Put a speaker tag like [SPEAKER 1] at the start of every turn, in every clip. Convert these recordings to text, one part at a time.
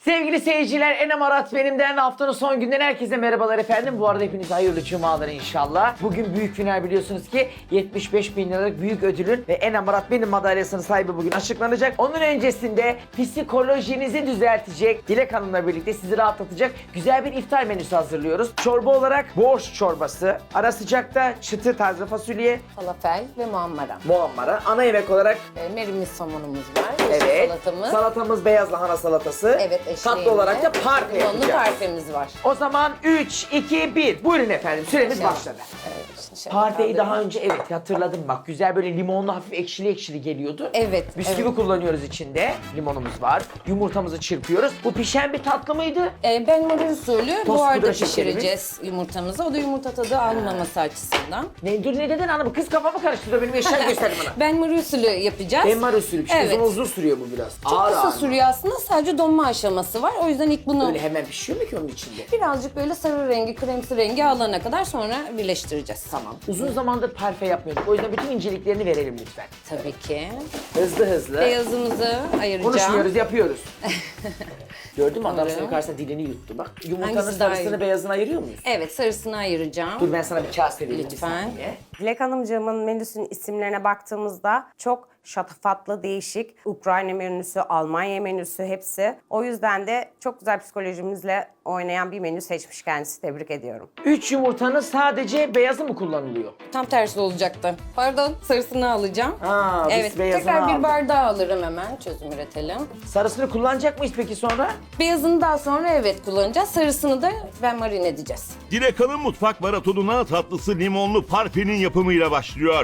[SPEAKER 1] Sevgili seyirciler, Enem Arat benimden haftanın son günden herkese merhabalar efendim. Bu arada hepinize hayırlı cumalar inşallah. Bugün büyük final biliyorsunuz ki 75 bin liralık büyük ödülün ve Enem Arat benim madalyasının sahibi bugün açıklanacak. Onun öncesinde psikolojinizi düzeltecek, Dilek Hanım'la birlikte sizi rahatlatacak güzel bir iftar menüsü hazırlıyoruz. Çorba olarak borş çorbası, ara sıcakta çıtır taze fasulye,
[SPEAKER 2] Falafel ve muammara.
[SPEAKER 1] muammara, ana yemek olarak
[SPEAKER 2] Merimiz somonumuz var. yeşil
[SPEAKER 1] evet,
[SPEAKER 2] Salatamız.
[SPEAKER 1] salatamız beyaz lahana salatası.
[SPEAKER 2] Evet,
[SPEAKER 1] tatlı olarak da parfe
[SPEAKER 2] limonlu
[SPEAKER 1] yapacağız.
[SPEAKER 2] parfemiz var.
[SPEAKER 1] O zaman 3, 2, 1. Buyurun efendim, süremiz
[SPEAKER 2] İnşallah.
[SPEAKER 1] başladı.
[SPEAKER 2] Evet, şimdi şöyle
[SPEAKER 1] Parfeyi daha
[SPEAKER 2] kaldırayım.
[SPEAKER 1] önce evet hatırladım bak. Güzel böyle limonlu hafif ekşili ekşili geliyordu.
[SPEAKER 2] Evet,
[SPEAKER 1] Bisküvi
[SPEAKER 2] evet.
[SPEAKER 1] kullanıyoruz içinde. Limonumuz var. Yumurtamızı çırpıyoruz. Bu pişen bir tatlı mıydı?
[SPEAKER 2] Ben marul usulü
[SPEAKER 1] Tost
[SPEAKER 2] buharda
[SPEAKER 1] pudra şekerimiz.
[SPEAKER 2] pişireceğiz yumurtamızı. O da yumurta tadı almaması açısından.
[SPEAKER 1] Dur ne dedin hanım? Kız kafamı karıştırıyor. Benim eşya gösterdim bana.
[SPEAKER 2] Ben marul usulü yapacağız.
[SPEAKER 1] Benmar usulü pişti.
[SPEAKER 2] Evet.
[SPEAKER 1] Uzun sürüyor bu biraz.
[SPEAKER 2] Çok kısa sürüyor aslında. Sadece donma aşaması var. O yüzden ilk bunu
[SPEAKER 1] Öyle hemen pişiyor mu ki onun içinde?
[SPEAKER 2] birazcık böyle sarı rengi, kremsi rengi alana kadar sonra birleştireceğiz.
[SPEAKER 1] Tamam. Uzun zamandır parfe yapmıyorduk. O yüzden bütün inceliklerini verelim lütfen.
[SPEAKER 2] Tabii ki.
[SPEAKER 1] Hızlı hızlı.
[SPEAKER 2] Beyazımızı ayıracağım.
[SPEAKER 1] Konuşmuyoruz, yapıyoruz. Gördün mü adam
[SPEAKER 2] Doğru.
[SPEAKER 1] senin karşısında dilini yuttu bak. Yumurtanın
[SPEAKER 2] Hangisi daha
[SPEAKER 1] sarısını
[SPEAKER 2] iyi?
[SPEAKER 1] beyazını ayırıyor muyuz?
[SPEAKER 2] Evet, sarısını ayıracağım.
[SPEAKER 1] Dur ben sana bir kase vereyim. bir
[SPEAKER 2] Lütfen.
[SPEAKER 1] saniye.
[SPEAKER 3] Dilek Hanımcığımın menüsünün isimlerine baktığımızda çok şatafatlı, değişik. Ukrayna menüsü, Almanya menüsü hepsi. O yüzden de çok güzel psikolojimizle oynayan bir menü seçmiş kendisi. Tebrik ediyorum.
[SPEAKER 1] 3 yumurtanın sadece beyazı mı kullanılıyor?
[SPEAKER 2] Tam tersi olacaktı. Pardon, sarısını alacağım.
[SPEAKER 1] Ha, biz
[SPEAKER 2] Evet,
[SPEAKER 1] beyazını
[SPEAKER 2] tekrar
[SPEAKER 1] aldık.
[SPEAKER 2] bir bardağı alırım hemen. Çözüm üretelim.
[SPEAKER 1] Sarısını kullanacak mıyız peki sonra?
[SPEAKER 2] Beyazını daha sonra evet kullanacağız. Sarısını da ben marine edeceğiz.
[SPEAKER 4] Dilek Hanım mutfak maratonuna tatlısı limonlu parfenin yapımıyla başlıyor.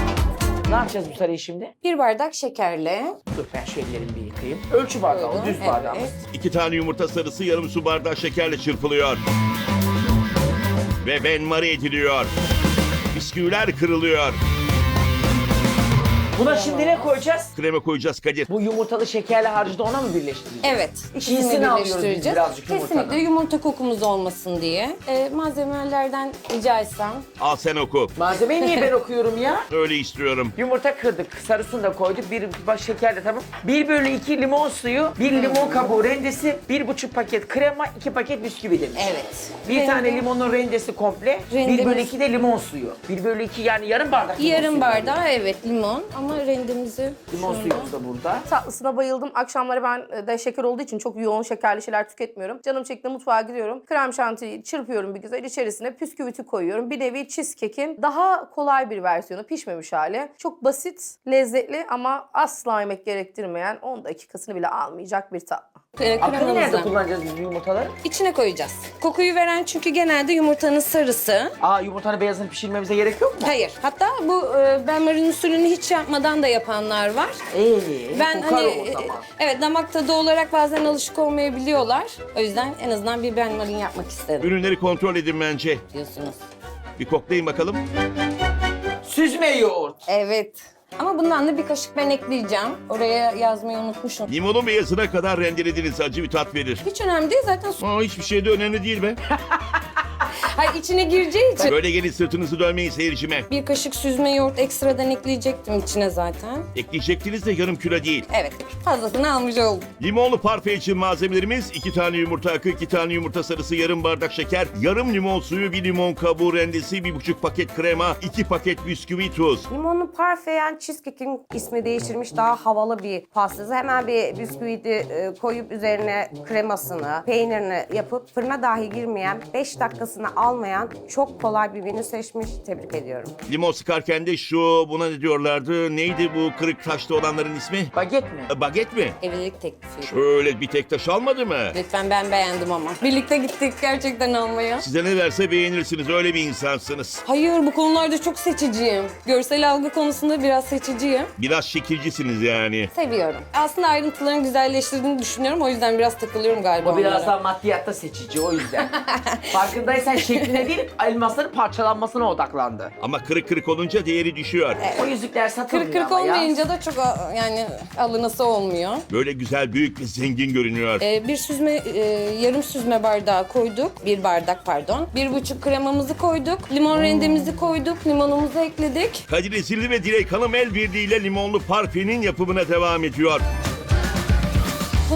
[SPEAKER 1] Ne yapacağız bu sarıyı şimdi?
[SPEAKER 2] Bir bardak şekerle.
[SPEAKER 1] Dur ben şu ellerimi bir yıkayayım. Ölçü bardağı,
[SPEAKER 2] Buyurun,
[SPEAKER 1] düz bardağımız.
[SPEAKER 2] evet.
[SPEAKER 4] 2 tane yumurta sarısı yarım su bardağı şekerle çırpılıyor. Ve benmari ediliyor. Bisküviler kırılıyor.
[SPEAKER 1] Buna şimdi ne koyacağız?
[SPEAKER 4] Krema koyacağız Kadir.
[SPEAKER 1] Bu yumurtalı şekerli harcı da ona mı birleştireceğiz?
[SPEAKER 2] Evet,
[SPEAKER 1] Çiğsini
[SPEAKER 2] ikisini
[SPEAKER 1] alıyoruz biz
[SPEAKER 2] birleştireceğiz.
[SPEAKER 1] birazcık yumurtanın.
[SPEAKER 2] Kesinlikle yumurta kokumuz olmasın diye. Malzemelerden rica etsem.
[SPEAKER 4] Al sen oku.
[SPEAKER 1] Malzemeyi niye ben okuyorum ya?
[SPEAKER 4] Öyle istiyorum.
[SPEAKER 1] Yumurta kırdık, sarısını da koyduk, bir baş şekerle tamam. 1/2 limon suyu, 1 limon kabuğu rendesi, 1,5 paket krema, 2 paket bisküvi demiş.
[SPEAKER 2] Evet.
[SPEAKER 1] Bir tane
[SPEAKER 2] Rende-
[SPEAKER 1] limonun rendesi komple,
[SPEAKER 2] Rendemiz-
[SPEAKER 1] 1/2 de limon suyu. 1/2 yani yarım bardak limon
[SPEAKER 2] Yarım
[SPEAKER 1] suyu.
[SPEAKER 2] bardağı evet limon ama rendemizi
[SPEAKER 1] Limon
[SPEAKER 2] şöyle-
[SPEAKER 1] suyumuz da burada.
[SPEAKER 5] Tatlısına bayıldım. Akşamları ben de şeker olduğu için çok yoğun şekerli şeyler tüketmiyorum. Canım çekti mutfağa gidiyorum. Krem şantiyi çırpıyorum bir güzel. İçerisine püsküviti koyuyorum. Bir nevi cheesecake'in daha kolay bir versiyonu. Pişmemiş hali. Çok basit, lezzetli ama asla yemek gerektirmeyen 10 dakikasını bile almayacak bir tatlı.
[SPEAKER 1] Akını nerede
[SPEAKER 2] Kremamızı
[SPEAKER 1] kullanacağız biz bu yumurtaları?
[SPEAKER 2] içine koyacağız. Kokuyu veren çünkü genelde yumurtanın sarısı.
[SPEAKER 1] Aa yumurtanın beyazını pişirmemize gerek yok mu?
[SPEAKER 2] Hayır. Hatta bu benmarin usulünü hiç yapmadan da yapanlar var. Ben
[SPEAKER 1] kokar
[SPEAKER 2] hani
[SPEAKER 1] o zaman.
[SPEAKER 2] evet damak tadı olarak bazen alışık olmayabiliyorlar. O yüzden en azından bir benmarin yapmak istedim
[SPEAKER 4] Ürünleri kontrol edin bence.
[SPEAKER 2] diyorsunuz.
[SPEAKER 4] Bir koklayın bakalım.
[SPEAKER 1] Süzme yoğurt.
[SPEAKER 2] Evet. Ama bundan da bir kaşık ben ekleyeceğim. Oraya yazmayı unutmuşum.
[SPEAKER 4] Limonun beyazına kadar rendelediğiniz acı bir tat verir.
[SPEAKER 2] Hiç önemli değil zaten.
[SPEAKER 4] Hiçbir şey de önemli değil be.
[SPEAKER 2] Hayır içine gireceği için.
[SPEAKER 4] Böyle gelin sırtınızı dönmeyin seyircime.
[SPEAKER 2] Bir kaşık süzme yoğurt ekstradan ekleyecektim içine zaten.
[SPEAKER 4] Ekleyecektiniz de yarım kilo değil.
[SPEAKER 2] Evet fazlasını almış oldum.
[SPEAKER 4] Limonlu parfe için malzemelerimiz 2 tane yumurta akı, 2 tane yumurta sarısı, yarım bardak şeker, yarım limon suyu, 1 limon kabuğu rendesi, 1,5 paket krema, 2 paket bisküvi, tuz.
[SPEAKER 3] Limonlu parfe yani cheesecake'in ismi değiştirmiş daha havalı bir pastası. Hemen bir bisküvidi koyup üzerine kremasını, peynirini yapıp fırına dahi girmeyen 5 dakikasını almayan çok kolay bir menü seçmiş. Tebrik ediyorum.
[SPEAKER 4] Limon sıkarken de buna ne diyorlardı? Neydi bu kırık taşlı olanların ismi?
[SPEAKER 1] Baget mi?
[SPEAKER 4] Baget mi?
[SPEAKER 2] Evlilik teklifi.
[SPEAKER 4] Şöyle bir tek taş almadı mı?
[SPEAKER 2] Lütfen ben beğendim ama. Birlikte gittik gerçekten almaya.
[SPEAKER 4] Size ne verse beğenirsiniz, öyle bir insansınız.
[SPEAKER 2] Hayır bu konularda çok seçiciyim. Görsel algı konusunda biraz seçiciyim.
[SPEAKER 4] Biraz şekilcisiniz yani.
[SPEAKER 2] Seviyorum. Aslında ayrıntıların güzelleştirdiğini düşünüyorum. O yüzden biraz takılıyorum galiba
[SPEAKER 1] O biraz
[SPEAKER 2] onlara.
[SPEAKER 1] daha maddiyatta seçici o yüzden. Farkındaysan şekline değil elmasların parçalanmasına odaklandı.
[SPEAKER 4] Ama kırık kırık olunca değeri düşüyor.
[SPEAKER 1] O yüzükler satılmıyor
[SPEAKER 2] Kırık
[SPEAKER 1] ama ya.
[SPEAKER 2] olmayınca da çok yani alınası olmuyor.
[SPEAKER 4] Böyle güzel, büyük ve zengin görünüyor.
[SPEAKER 2] Bir süzme, yarım süzme bardağı koyduk. Bir bardak pardon. 1,5 kremamızı koyduk. Limon rendemizi koyduk. Limonumuzu ekledik.
[SPEAKER 4] Kadir Ezildi ve Dilek Hanım el birliğiyle limonlu parfenin yapımına devam ediyor.
[SPEAKER 2] Bunu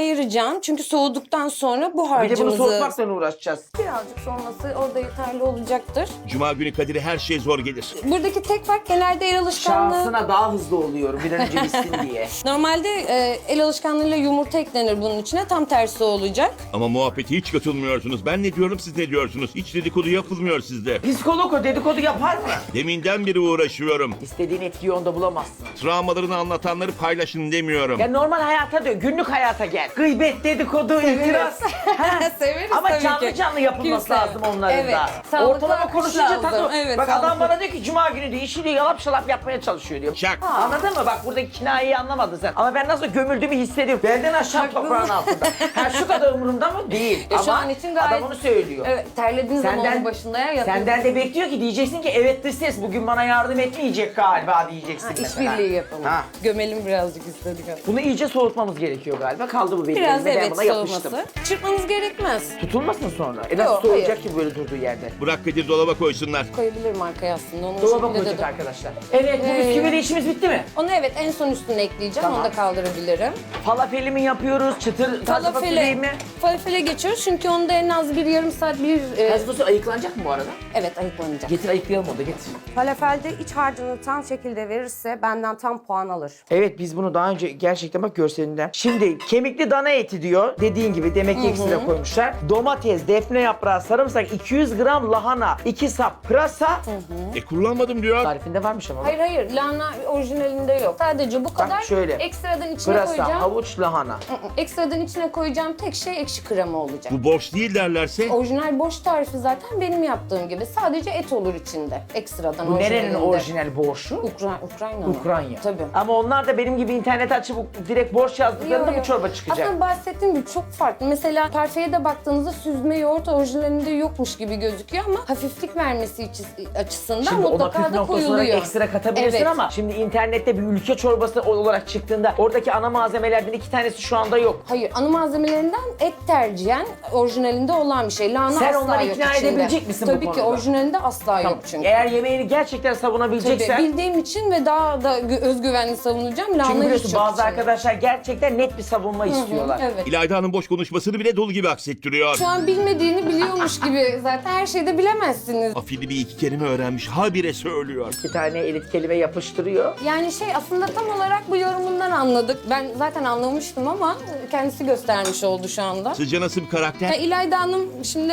[SPEAKER 2] ayıracağım. Çünkü soğuduktan sonra bu
[SPEAKER 1] Bir de bunu
[SPEAKER 2] harcımızı...
[SPEAKER 1] soğutmakla uğraşacağız.
[SPEAKER 2] Birazcık soğuması orada yeterli olacaktır.
[SPEAKER 4] Cuma günü Kadir'e her şey zor gelir.
[SPEAKER 2] Buradaki tek fark genelde el alışkanlığı.
[SPEAKER 1] Şansına daha hızlı oluyorum bir an önce bitsin diye.
[SPEAKER 2] Normalde el alışkanlığıyla yumurta eklenir bunun içine. Tam tersi olacak.
[SPEAKER 4] Ama muhabbete hiç katılmıyorsunuz. Ben ne diyorum, siz ne diyorsunuz? Hiç dedikodu yapılmıyor sizde.
[SPEAKER 1] Psikolog o dedikodu yapar mı?
[SPEAKER 4] Deminden beri uğraşıyorum.
[SPEAKER 1] İstediğin etkiyi onda bulamazsın.
[SPEAKER 4] Travmalarını anlatanları paylaşın demiyorum.
[SPEAKER 1] Ya normal hayata diyor, günlük hayata gel. Gıybet, dedikodu, itiraz. Ha.
[SPEAKER 2] Severiz
[SPEAKER 1] Ama
[SPEAKER 2] tabii
[SPEAKER 1] canlı
[SPEAKER 2] ki.
[SPEAKER 1] canlı yapılması
[SPEAKER 2] Kimse.
[SPEAKER 1] lazım onların
[SPEAKER 2] Evet,
[SPEAKER 1] da.
[SPEAKER 2] sağlıklı
[SPEAKER 1] Ortalama
[SPEAKER 2] akış
[SPEAKER 1] konuşunca
[SPEAKER 2] lazım.
[SPEAKER 1] tadı.
[SPEAKER 2] Evet,
[SPEAKER 1] Bak adam
[SPEAKER 2] sağlıklı.
[SPEAKER 1] bana diyor ki cuma günü diyor işi diyor yalap şalap yapmaya çalışıyor diyor.
[SPEAKER 4] Şak.
[SPEAKER 1] Anladın mı? Bak buradaki kinayeyi anlamadın sen. Ama ben nasıl gömüldüğümü hissediyorum. Benden aşağı toprağın altında. Ha şu kadar umurumda mı? Değil.
[SPEAKER 2] Ya
[SPEAKER 1] Ama
[SPEAKER 2] şu an için gayet...
[SPEAKER 1] adam onu söylüyor.
[SPEAKER 2] Evet, terlediğin zaman onun başında ya yatın.
[SPEAKER 1] Senden de bekliyor ki diyeceksin ki evet dış ses bugün bana yardım etmeyecek galiba diyeceksin mesela.
[SPEAKER 2] İşbirliği yapalım.
[SPEAKER 1] Ha.
[SPEAKER 2] Gömelim birazcık istedik.
[SPEAKER 1] Bunu iyice soğutmamız gerekiyor galiba. Kaldı bu benim
[SPEAKER 2] Biraz
[SPEAKER 1] elimde, ben
[SPEAKER 2] evet
[SPEAKER 1] buna yapıştım.
[SPEAKER 2] soğuması. Çırpmanız gerekmez.
[SPEAKER 1] Tutulmasın sonra. Nasıl
[SPEAKER 2] Yok,
[SPEAKER 1] soğuyacak
[SPEAKER 2] hayır.
[SPEAKER 1] ki böyle durduğu yerde?
[SPEAKER 4] Bırak Kadir dolaba koysunlar.
[SPEAKER 2] Koyabilirim arkaya aslında. Onu
[SPEAKER 1] Dolaba
[SPEAKER 2] şekilde
[SPEAKER 1] koyduk
[SPEAKER 2] de-
[SPEAKER 1] arkadaşlar. Evet bu bisküviyle işimiz bitti mi?
[SPEAKER 2] Onu evet en son üstüne ekleyeceğim.
[SPEAKER 1] Tamam.
[SPEAKER 2] Onu da kaldırabilirim.
[SPEAKER 1] Falafeli mi yapıyoruz? Çıtır taze fasulyeyi mi?
[SPEAKER 2] Falafele geçiyoruz çünkü onda en az bir yarım saat
[SPEAKER 1] Taze fasulye ayıklanacak mı bu arada?
[SPEAKER 2] evet ayıklanacak.
[SPEAKER 1] Getir ayıklayalım onu da getir.
[SPEAKER 3] Falafelde iç harcını tam şekilde verirse benden tam puan alır.
[SPEAKER 1] Evet biz bunu daha önce gerçekten bak görselinden. Şimdi kemikli dana eti diyor. Dediğin gibi demek ki ekstra koymuşlar. Domates, defne yaprağı, sarımsak, 200 gram lahana, 2 sap pırasa.
[SPEAKER 4] Kullanmadım diyor.
[SPEAKER 1] Tarifinde varmış ama.
[SPEAKER 2] Hayır lahana orijinalinde yok. Sadece bu kadar.
[SPEAKER 1] şöyle.
[SPEAKER 2] Ekstradan içine
[SPEAKER 1] Pırasa,
[SPEAKER 2] koyacağım.
[SPEAKER 1] havuç, lahana.
[SPEAKER 2] Ekstradan içine koyacağım tek şey ekşi krema olacak.
[SPEAKER 4] Bu borç değil derlerse.
[SPEAKER 2] Orijinal boş tarifi zaten benim yaptığım gibi. Sadece et olur içinde. Ekstradan
[SPEAKER 1] Bu nerenin
[SPEAKER 2] orijinalinde.
[SPEAKER 1] orijinal borşu?
[SPEAKER 2] Ukrayna mı?
[SPEAKER 1] Ukrayna.
[SPEAKER 2] Tabii.
[SPEAKER 1] Ama onlar da benim gibi internet açıp direkt borç yazdıklarında
[SPEAKER 2] Yok,
[SPEAKER 1] bu çorba çıkacak.
[SPEAKER 2] Aslında bahsettiğim gibi çok farklı. Mesela parfeye de baktığınızda süzme yoğurt orijinalinde yokmuş gibi gözüküyor ama hafiflik vermesi açısından
[SPEAKER 1] Şimdi ona
[SPEAKER 2] mutlaka
[SPEAKER 1] püf
[SPEAKER 2] da
[SPEAKER 1] noktası olarak
[SPEAKER 2] koyuluyor.
[SPEAKER 1] ekstra katabilirsin
[SPEAKER 2] Evet.
[SPEAKER 1] ama şimdi internette bir ülke çorbası olarak çıktığında oradaki ana malzemelerden 2 tanesi şu anda yok.
[SPEAKER 2] Hayır, ana malzemelerinden et tercihen orijinalinde olan bir şey. Lahana
[SPEAKER 1] Sen
[SPEAKER 2] asla
[SPEAKER 1] onları
[SPEAKER 2] yok
[SPEAKER 1] ikna
[SPEAKER 2] içinde.
[SPEAKER 1] edebilecek misin bu
[SPEAKER 2] Tabii ki
[SPEAKER 1] konuda?
[SPEAKER 2] orijinalinde asla yok çünkü.
[SPEAKER 1] Eğer yemeğini gerçekten
[SPEAKER 2] Tabii,
[SPEAKER 1] savunabileceksen.
[SPEAKER 2] bildiğim için ve daha da özgüvenli savunacağım. Lahana
[SPEAKER 1] Çünkü
[SPEAKER 2] hiç
[SPEAKER 1] biliyorsun
[SPEAKER 2] yok
[SPEAKER 1] bazı
[SPEAKER 2] içinde.
[SPEAKER 1] arkadaşlar gerçekten net bir savunma istiyorlar.
[SPEAKER 2] Evet.
[SPEAKER 4] İlayda Hanım boş konuşmasını bile dolu gibi aksettiriyor.
[SPEAKER 2] Şu an bilmediğini biliyormuş gibi zaten her şeyde bilemezsiniz.
[SPEAKER 4] Afili bir iki kelime öğrenmiş. Habire söylüyor.
[SPEAKER 1] 2 tane elit kelime yapıştırıyor.
[SPEAKER 2] Yani aslında tam olarak bu yorumundan anladık. Ben zaten anlamıştım ama kendisi göstermiş oldu şu anda.
[SPEAKER 4] Sizce nasıl bir karakter?
[SPEAKER 2] Ya İlayda Hanım şimdi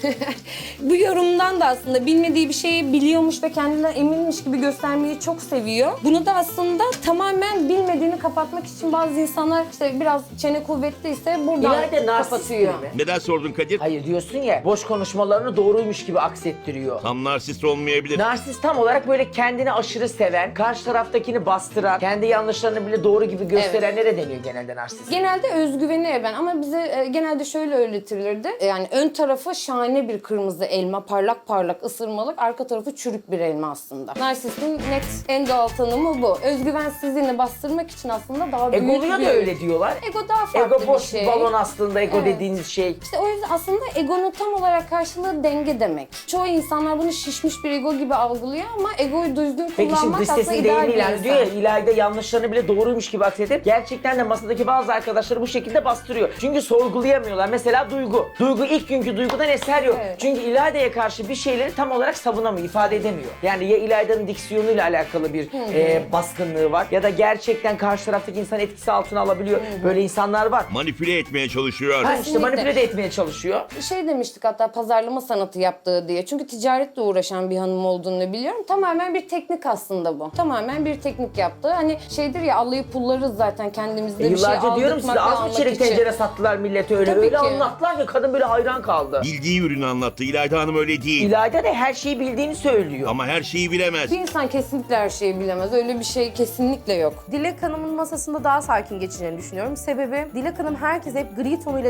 [SPEAKER 2] bu yorumdan da aslında bilmediği bir şeyi biliyormuş ve kendinden eminmiş gibi göstermeyi çok seviyor. Bunu da aslında tamamen bilmediğini kapatmak için bazı insanlar işte biraz çene kuvvetliyse buradan
[SPEAKER 1] İlayda narsist
[SPEAKER 2] kapatıyor.
[SPEAKER 1] biri mi?
[SPEAKER 4] Neden sordun Kadir?
[SPEAKER 1] Hayır diyorsun ya boş konuşmalarını doğruymuş gibi aksettiriyor.
[SPEAKER 4] Tam narsist olmayabilir.
[SPEAKER 1] Narsist tam olarak böyle kendini aşırı seven, karşı taraftakini bastıran, kendi yanlışlarını bile doğru gibi gösterenlere deniyor genelde narsist.
[SPEAKER 2] Genelde özgüveni ben ama bize genelde şöyle öğretilirdi. Yani ön tarafı şahane bir kırmızı elma, parlak parlak ısırmalık, arka tarafı çürük bir elma aslında. Narsistin net en doğal tanımı bu. Özgüvensizliğini bastırmak için aslında daha büyük
[SPEAKER 1] Egoluya
[SPEAKER 2] bir...
[SPEAKER 1] da öyle diyorlar.
[SPEAKER 2] Ego daha farklı
[SPEAKER 1] Ego boş
[SPEAKER 2] bir şey.
[SPEAKER 1] balon aslında ego
[SPEAKER 2] Evet.
[SPEAKER 1] dediğiniz şey.
[SPEAKER 2] İşte o yüzden aslında egonun tam olarak karşılığı denge demek. Çoğu insanlar bunu şişmiş bir ego gibi algılıyor ama egoyu düzgün
[SPEAKER 1] Peki şimdi
[SPEAKER 2] kullanmak
[SPEAKER 1] dış
[SPEAKER 2] aslında
[SPEAKER 1] sesin
[SPEAKER 2] ideal bir
[SPEAKER 1] deyimiyle
[SPEAKER 2] insan.
[SPEAKER 1] diyor ya İlayda yanlışlarını bile doğruymuş gibi aksedip gerçekten de masadaki bazı arkadaşları bu şekilde bastırıyor. Çünkü sorgulayamıyorlar. Mesela Duygu. Duygu ilk günkü Duygu'dan eser yok.
[SPEAKER 2] Evet.
[SPEAKER 1] Çünkü İlayda'ya karşı bir şeyleri tam olarak savunamıyor, ifade edemiyor. Yani ya İlayda'nın diksiyonuyla alakalı bir baskınlığı var ya da gerçekten karşı taraftaki insan etkisi altına alabiliyor. Böyle insanlar var.
[SPEAKER 4] Manipüle etmeye çalışıyor.
[SPEAKER 1] Ha işte
[SPEAKER 2] Kesinlikle.
[SPEAKER 1] manipüle de etmeye çalışıyor.
[SPEAKER 2] Şey demiştik hatta pazarlama sanatı yaptığı diye. Çünkü ticaretle uğraşan bir hanım olduğunu biliyorum. Tamamen bir teknik aslında bu. Tamamen bir teknik yaptığı. Hani şeydir ya allayıp pullarız zaten kendimizde bir şey
[SPEAKER 1] Yıllarca diyorum size
[SPEAKER 2] aldırtmak ve
[SPEAKER 1] az mı
[SPEAKER 2] almak
[SPEAKER 1] çelik
[SPEAKER 2] için.
[SPEAKER 1] tencere sattılar millete öyle.
[SPEAKER 2] Tabii
[SPEAKER 1] Öyle
[SPEAKER 2] ki.
[SPEAKER 1] anlattılar ki kadın böyle hayran kaldı.
[SPEAKER 4] Bildiği ürünü anlattı. İlayda Hanım öyle değil.
[SPEAKER 1] İlayda da her şeyi bildiğini söylüyor.
[SPEAKER 4] Ama her şeyi bilemez.
[SPEAKER 2] Bir insan kesinlikle her şeyi bilemez. Öyle bir şey kesinlikle yok.
[SPEAKER 5] Dilek Hanım'ın masasında daha sakin geçeceğini düşünüyorum. Sebebi Dilek Hanım herkese hep gri tonuyla devam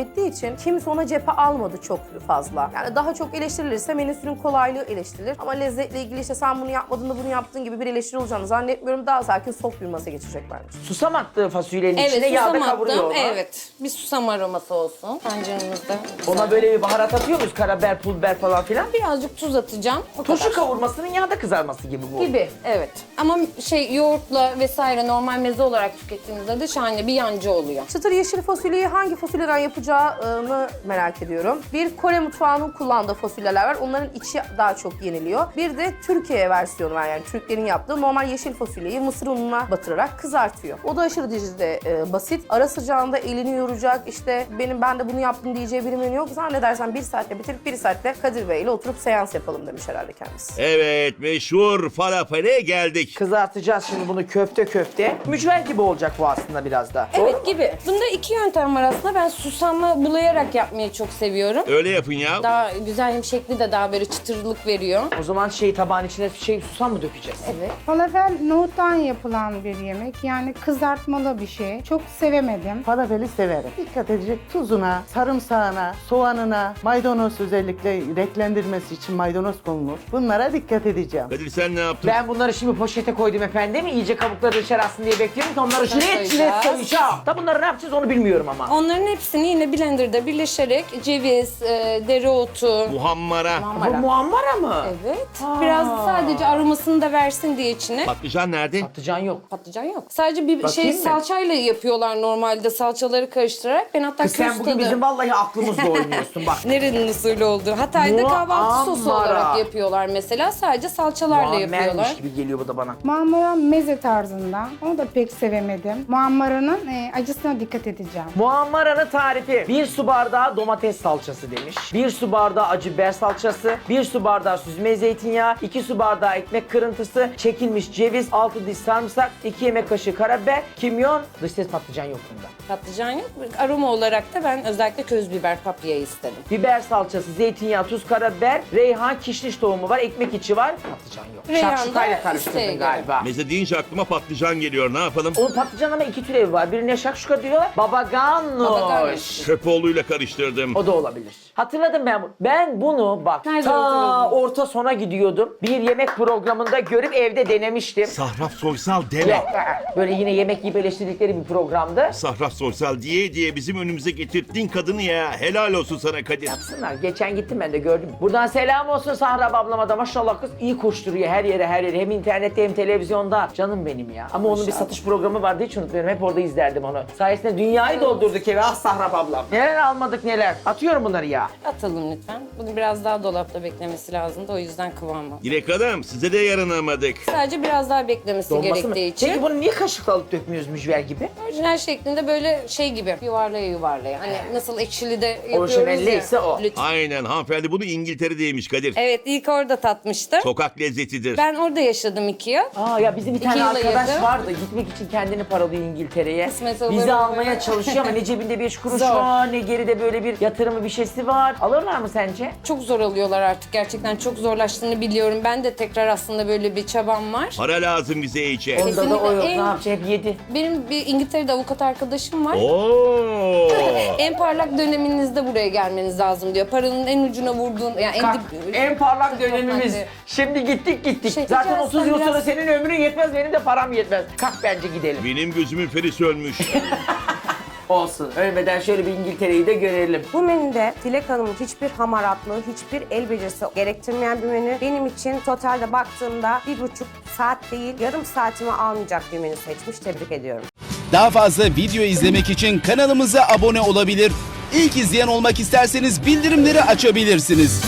[SPEAKER 5] ettiği için kimse ona cephe almadı çok fazla. Yani daha çok eleştirilirse menüsünün kolaylığı eleştirilir. Ama lezzetle ilgili işte sen bunu yapmadın da bunu yaptığın gibi bir eleştiri olacağını zannetmiyorum. Daha sakin soft bir masa geçecek bence.
[SPEAKER 1] Susam attı fasulyenin içine
[SPEAKER 2] Evet,
[SPEAKER 1] yağda
[SPEAKER 2] susam
[SPEAKER 1] kavuruyor
[SPEAKER 2] attım.
[SPEAKER 1] onu.
[SPEAKER 2] Evet, bir susam aroması olsun tenceremizde.
[SPEAKER 1] Ona böyle bir baharat atıyor muyuz? Karabiber, pul biber falan filan.
[SPEAKER 2] Birazcık tuz atacağım. O
[SPEAKER 1] Turşu
[SPEAKER 2] kadar.
[SPEAKER 1] kavurmasının yağda kızarması gibi bu.
[SPEAKER 2] Gibi, evet. Ama yoğurtla vesaire normal meze olarak tükettiğimizde de şahane bir yancı oluyor.
[SPEAKER 5] Çıtır yeşil fasulyeyi hangi fasulyeden yapacağını merak ediyorum. Bir Kore mutfağının kullandığı fasulyeler var. Onların içi daha çok yeniliyor. Bir de Türkiye versiyonu var, yani Türklerin yaptığı normal yeşil fasulyeyi mısır ununa batırarak kızartıyor. O da aşırı derecede basit. Ara sıcağında elini yoracak, işte ben de bunu yaptım diyeceği bir menü yok. Zannedersen 1 saatte bitirip 1 saatte Kadir Bey ile oturup seans yapalım demiş herhalde kendisi.
[SPEAKER 4] Evet, meşhur falafele geldik.
[SPEAKER 1] Kızartacağız şimdi bunu köfte. Mücver gibi olacak bu aslında biraz da.
[SPEAKER 2] Evet gibi. Bunda iki yöntem var aslında. Ben susamla bulayarak yapmayı çok seviyorum.
[SPEAKER 4] Öyle yapın ya.
[SPEAKER 2] Daha güzel, hem şekli de daha böyle çıtırlık veriyor.
[SPEAKER 1] O zaman tabağın içine susam mı dökeceğiz?
[SPEAKER 2] Evet.
[SPEAKER 6] Falafel nohuttan yapılan bir yemek. Yani kızartmalı bir şey. Çok sevemedim.
[SPEAKER 7] Falafeli severim. Dikkat edecek tuzuna, sarımsağına, soğanına, maydanoz özellikle renklendirmesi için maydanoz konulur. Bunlara dikkat edeceğim.
[SPEAKER 4] Kadir sen ne yaptın?
[SPEAKER 1] Ben bunları şimdi poşete koydum efendim. İyice kabukları dışarı atsın diye bekliyorum ki onları jilet
[SPEAKER 2] koyacağız.
[SPEAKER 1] koyacağım. Da bunları ne yapacağız onu bilmiyorum ama.
[SPEAKER 2] Onların hepsini yine blenderda birleşerek ceviz, dereotu,
[SPEAKER 4] Muhammara.
[SPEAKER 1] Bu muammara mı?
[SPEAKER 2] evet. Biraz sadece aromasını da versin diye içine.
[SPEAKER 4] Patlıcan nerede?
[SPEAKER 1] Patlıcan yok.
[SPEAKER 2] Patlıcan yok. Sadece bir
[SPEAKER 1] Bakayım mı?
[SPEAKER 2] salçayla yapıyorlar normalde, salçaları karıştırarak. Ben hatta
[SPEAKER 1] Kız sen
[SPEAKER 2] köz
[SPEAKER 1] bugün
[SPEAKER 2] tadı-
[SPEAKER 1] bizim vallahi aklımızla oynuyorsun bak.
[SPEAKER 2] Nerenin usulü oldu? Hatay'da kahvaltı sosu
[SPEAKER 1] Muammara.
[SPEAKER 2] olarak yapıyorlar mesela. Sadece salçalarla yapıyorlar.
[SPEAKER 1] Muammermiş gibi geliyor bu da bana.
[SPEAKER 6] Muammara meze tarzında. Onu da pek sevemedim. Muammaranın acısına dikkat edeceğim.
[SPEAKER 1] Muammaranın tarifi. 1 su bardağı domates salçası demiş. 1 su bardağı acı biber salçası. 1 su bardağı süzme zeytinyağı. 2 su bardağı ekmek kırıntısı. Çekilmiş ceviz. 6 diş sarımsak. 2 yemek kaşığı karabiber. Kimyon. Dış ses patlıcan yok bunda.
[SPEAKER 2] Patlıcan yok. Aroma olarak da ben özellikle köz biber paprikayı istedim.
[SPEAKER 1] Biber salçası, zeytinyağı, tuz, karabiber, reyhan, kişniş tohumu var, ekmek içi var. Patlıcan yok.
[SPEAKER 2] Reyhan da
[SPEAKER 1] Şakşukayla
[SPEAKER 2] isteğe
[SPEAKER 1] karıştırdın
[SPEAKER 2] göre.
[SPEAKER 1] galiba.
[SPEAKER 4] Meze deyince aklıma patlıcan geliyor. Ne yapalım?
[SPEAKER 1] O patlıcan ama 2 türevi var. Birine şakşuka diyorlar. Babaganoş.
[SPEAKER 2] Babaganoş.
[SPEAKER 4] Köpoğlu'yla karıştırdım.
[SPEAKER 1] O da olabilir. Hatırladım ben bunu. Ben bunu bak
[SPEAKER 2] Nerede
[SPEAKER 1] ta
[SPEAKER 2] hatırladın?
[SPEAKER 1] orta sona gidiyordum. Bir yemek programında görüp evde denemiştim.
[SPEAKER 4] Sahraf Soysal deme.
[SPEAKER 1] Yok, böyle yine yemek yiyip eleştirdikleri bir programdı.
[SPEAKER 4] Sahraf Soysal diye bizim önümüze getirttiğin kadını ya. Helal olsun sana Kadir.
[SPEAKER 1] Yapsınlar. Geçen gittim ben de gördüm. Buradan selam olsun Sahra ablama da, maşallah kız iyi koşturuyor her yere. Hem internette hem televizyonda. Canım benim ya. Ama onun bir satış programı vardı, hiç unutmuyorum. Hep orada izlerdim onu. Sayesinde dünyayı doldurduk eve. Ah Sahra ablam. Neler almadık neler. Atıyorum bunları ya.
[SPEAKER 2] Atalım lütfen. Bunu biraz daha dolapta beklemesi lazımdı. O yüzden kıvamı.
[SPEAKER 4] Dilek Hanım size de yaranamadık.
[SPEAKER 2] Sadece biraz daha beklemesi
[SPEAKER 1] Dolması mı?
[SPEAKER 2] gerektiği için.
[SPEAKER 1] Peki bunu niye kaşıkla alıp dökmüyoruz mücver gibi?
[SPEAKER 2] Orijinal şeklinde böyle şey gibi yuvarlaya. Hani nasıl ekşili de yapıyoruz
[SPEAKER 1] Orijinalliyse
[SPEAKER 2] ya.
[SPEAKER 1] o.
[SPEAKER 2] Lütfen.
[SPEAKER 4] Aynen hanımefendi bunu İngiltere'de yemiş Kadir.
[SPEAKER 2] Evet, ilk orada tatmıştım.
[SPEAKER 4] Sokak lezzetidir.
[SPEAKER 2] Ben orada yaşadım 2 yıl.
[SPEAKER 1] Aa ya bizim bir tane
[SPEAKER 2] 2 yıla
[SPEAKER 1] arkadaş
[SPEAKER 2] yakın.
[SPEAKER 1] vardı. Gitmek için kendini paralıyor İngiltere'ye.
[SPEAKER 2] Kısmet olur
[SPEAKER 1] Bizi
[SPEAKER 2] mu?
[SPEAKER 1] almaya çalışıyor ama ne cebinde 5 kuruş
[SPEAKER 2] Zor.
[SPEAKER 1] var, ne geride böyle bir yatırımı bir şeysi var. Alırlar mı sence?
[SPEAKER 2] Çok zor alıyorlar artık. Gerçekten çok zorlaştığını biliyorum. Ben de tekrar aslında böyle bir çabam var.
[SPEAKER 4] Para lazım bize içe.
[SPEAKER 1] Onda da o
[SPEAKER 2] Kesinlikle
[SPEAKER 1] yok. Ne
[SPEAKER 2] en-
[SPEAKER 1] yapacak? Hep yedi.
[SPEAKER 2] Benim bir İngiltere'de avukat arkadaşım var.
[SPEAKER 4] Oo.
[SPEAKER 2] En parlak döneminizde buraya gelmeniz lazım diyor. Paranın en ucuna vurduğun, yani en
[SPEAKER 1] Kalk,
[SPEAKER 2] dip...
[SPEAKER 1] en parlak dönemimiz.
[SPEAKER 2] Hadi.
[SPEAKER 1] Şimdi gittik.
[SPEAKER 2] Şey,
[SPEAKER 1] Zaten
[SPEAKER 2] peki
[SPEAKER 1] 30 yıl
[SPEAKER 2] aslında
[SPEAKER 1] sonra
[SPEAKER 2] biraz-
[SPEAKER 1] senin ömrün yetmez, benim de param yetmez. Kalk bence gidelim.
[SPEAKER 4] Benim gözümün feri sönmüş.
[SPEAKER 1] Olsun. Ölmeden şöyle bir İngiltere'yi de görelim.
[SPEAKER 3] Bu menüde Dilek Hanım'ın hiçbir hamaratlığı, hiçbir el becerisi gerektirmeyen bir menü. Benim için totalde baktığımda 1,5 saat değil, yarım saatimi almayacak bir menü seçmiş. Tebrik ediyorum.
[SPEAKER 8] Daha fazla video izlemek için kanalımıza abone olabilir. İlk izleyen olmak isterseniz bildirimleri açabilirsiniz.